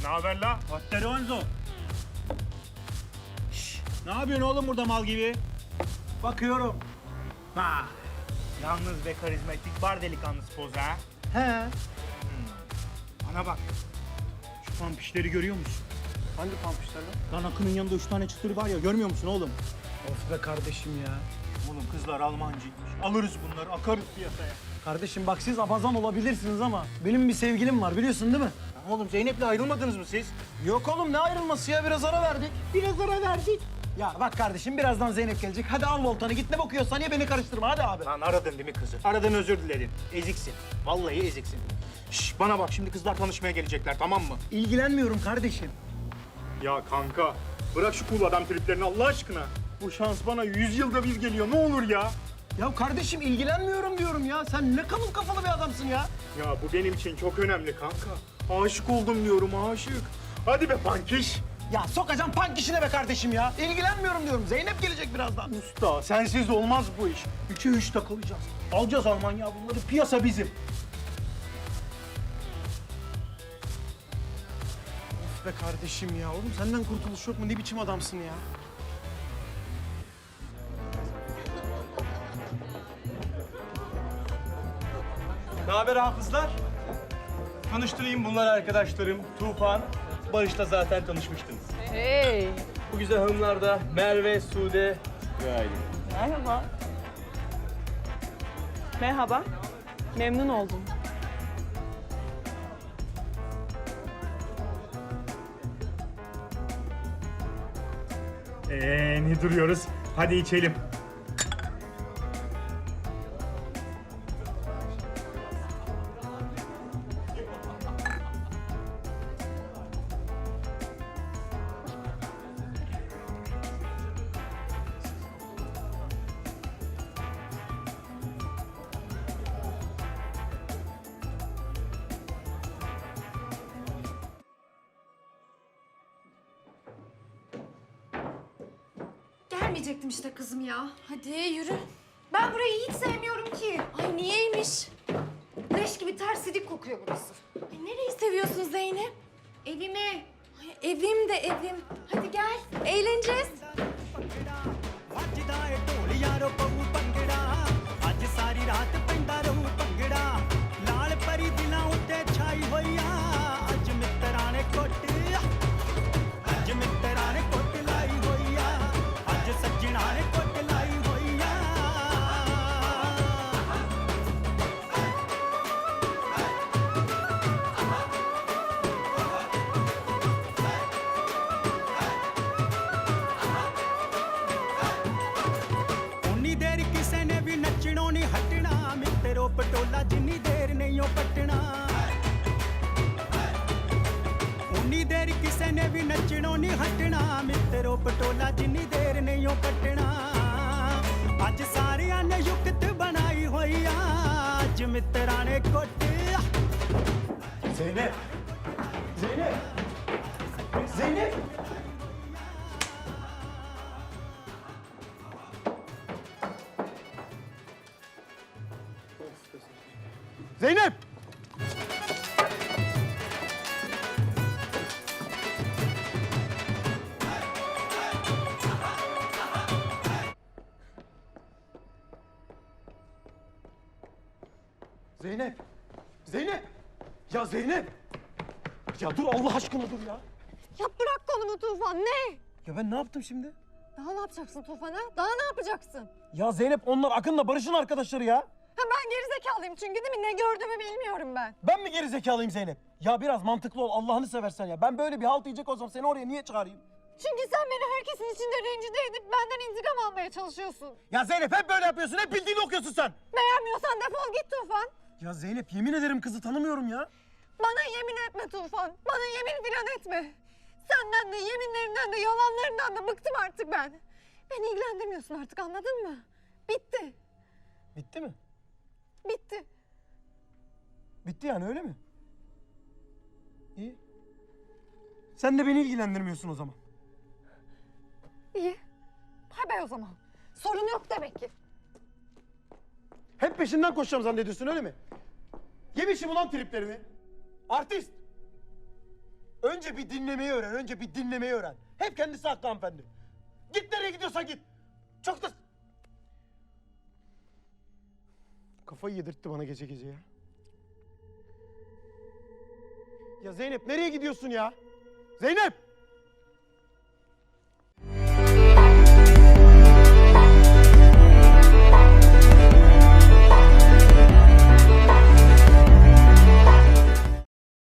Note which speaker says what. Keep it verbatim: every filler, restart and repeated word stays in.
Speaker 1: Ne haber la?
Speaker 2: Patronzo. Şşş, ne yapıyorsun oğlum burada mal gibi?
Speaker 3: Bakıyorum.
Speaker 2: Ha. Yalnız ve karizmatik bar delikanlısı poz ha.
Speaker 3: He.
Speaker 2: Bana bak. Şu pampişleri görüyor musun?
Speaker 3: Hangi pampuşlar lan?
Speaker 2: Lan Akın'ın yanında üç tane çıtır var ya, görmüyor musun oğlum?
Speaker 3: Of be kardeşim ya.
Speaker 2: Oğlum kızlar Almancıymış. Alırız bunları, akarız piyasaya.
Speaker 3: Kardeşim bak siz abazan olabilirsiniz ama benim bir sevgilim var biliyorsun değil mi?
Speaker 2: Ya oğlum Zeynep'le ayrılmadınız mı siz?
Speaker 3: Yok oğlum ne ayrılması ya biraz ara verdik.
Speaker 2: Biraz ara verdik.
Speaker 3: Ya bak kardeşim birazdan Zeynep gelecek. Hadi al voltanı git ne bakıyorsan ya beni karıştırma hadi abi.
Speaker 2: Lan aradın değil mi kızı? Aradın özür diledin. Eziksin. Vallahi eziksin. Şş, bana bak şimdi kızlar tanışmaya gelecekler, tamam mı?
Speaker 3: İlgilenmiyorum kardeşim.
Speaker 1: Ya kanka, bırak şu cool adam triplerini Allah aşkına. Bu şans bana yüz yılda bir geliyor, ne olur ya.
Speaker 3: Ya kardeşim ilgilenmiyorum diyorum ya. Sen ne kalın kafalı bir adamsın ya.
Speaker 1: Ya bu benim için çok önemli kanka. Aşık oldum diyorum, aşık. Hadi be pankiş.
Speaker 3: Ya sokacağım pank işine be kardeşim ya. İlgilenmiyorum diyorum. Zeynep gelecek birazdan.
Speaker 2: Usta, sensiz olmaz bu iş. Üçe üç takılacağız. Alacağız Almanya bunları, piyasa bizim.
Speaker 3: Of be kardeşim ya. Oğlum senden kurtuluş yok mu? Ne biçim adamsın ya?
Speaker 4: Ne haber hafızlar? Tanıştırayım, bunlar arkadaşlarım. Tufan, Barış'la zaten tanışmıştınız.
Speaker 5: Hey,
Speaker 4: Bu güzel hanımlar da Merve, Sude ve Aylin.
Speaker 5: merhaba. Merhaba, memnun oldum.
Speaker 1: Ee, ne duruyoruz? Hadi içelim.
Speaker 6: Gelmeyecektim işte kızım ya. Hadi yürü. Ben burayı hiç sevmiyorum ki. Ay niyeymiş? Leş gibi tersilik kokuyor burası. Ay nereyi seviyorsun Zeynep? Evimi. Ay evim de evim. Hadi gel. Eğleneceğiz.
Speaker 7: ਵੱਜਦਾ ਏ ਢੋਲੀਆਂ ਰੋ ਪਊ ਭੰਗੜਾ ਅੱਜ ਸਾਰੀ ਰਾਤ ਪੈਂਦਾ ਰਹੂ ਭੰਗੜਾ ਲਾਲ ਪਰੀ ਦਿਲਾਂ ਉੱਤੇ ਛਾਈ ਹੋਈ ਆ ਅੱਜ ਮਿੱਤਰਾਂ ਨੇ ਕੁੱਟ ਅੱਜ ਮਿੱਤਰਾਂ ਨੇ ਕੁੱਟ ਲਾਈ ਹੋਈ ਆ ਅੱਜ ਸੱਜਣਾ ਨੇ ਕੁੱਟ ਲਾਈ ਹੋਈ ਆ ਉਨੀ ਦੇਰ ਕਿਸੇ ਨੇ ਵੀ ਨੱਚਣੋਂ ਨਹੀਂ ਹਟਣਾ ਮਿੱਤਰੋ ਪਟੋਲਾ ਜਿੰਨੀ ਦੇਰ ਨਹੀਂ ਉਹ ਪਟਣਾ ਉਨੀ ਦੇਰ ਕਿਸੇ ਨੇ ਵੀ ਨੱਚਣੋਂ ਨਹੀਂ ਹਟਣਾ ਮਿੱਤਰੋ ਪਟੋਲਾ ਜਿੰਨੀ ਦੇਰ ਨਹੀਂ ਉਹ ਪਟਣਾ ਅੱਜ ਸਾਰਿਆਂ ਨੇ ਯੁਕਤ ਬਣਾਈ ਹੋਈ ਆ ਅੱਜ ਮਿੱਤਰਾਂ ਨੇ ਕੁੱਟ
Speaker 3: Zeynep! Zeynep! Zeynep! Zeynep! Zeynep! Zeynep! Ya Zeynep! Ya dur Allah aşkına dur ya.
Speaker 6: Ya bırak kolumu Tufan. Ne?
Speaker 3: Ya ben ne yaptım şimdi?
Speaker 6: Daha ne yapacaksın Tufan ha? Daha ne yapacaksın?
Speaker 3: Ya Zeynep onlar Akın'la Barış'ın arkadaşları ya.
Speaker 6: Ha ben gerizekalıyım çünkü değil mi? Ne gördüğümü bilmiyorum ben.
Speaker 3: Ben mi geri zekalıyım Zeynep? Ya biraz mantıklı ol Allah'ını seversen ya. Ben böyle bir halt yiyecek olsam seni oraya niye çağırayım?
Speaker 6: Çünkü sen beni herkesin içinde rencide edip benden intikam almaya çalışıyorsun.
Speaker 3: Ya Zeynep hep böyle yapıyorsun. Hep bildiğini okuyorsun sen.
Speaker 6: Beğenmiyorsan defol git Tufan.
Speaker 3: Ya Zeynep yemin ederim kızı tanımıyorum ya.
Speaker 6: Bana yemin etme Tufan. Bana yemin filan etme. Senden de, yeminlerinden de, yalanlarından da bıktım artık ben. Beni ilgilendirmiyorsun artık, anladın mı? Bitti.
Speaker 3: Bitti mi?
Speaker 6: Bitti.
Speaker 3: Bitti yani öyle mi? İyi. Sen de beni ilgilendirmiyorsun o zaman.
Speaker 6: İyi. Hay bay o zaman. Sorun yok demek ki.
Speaker 3: Hep peşinden koşacağım zannediyorsun öyle mi? Yemişim ulan triplerini. Artist. Önce bir dinlemeyi öğren, önce bir dinlemeyi öğren. Hep kendisi haklı hanımefendi. Git nereye gidiyorsan git. Çok da... Kafayı yedirtti bana gece gece ya. Ya Zeynep nereye gidiyorsun ya? Zeynep!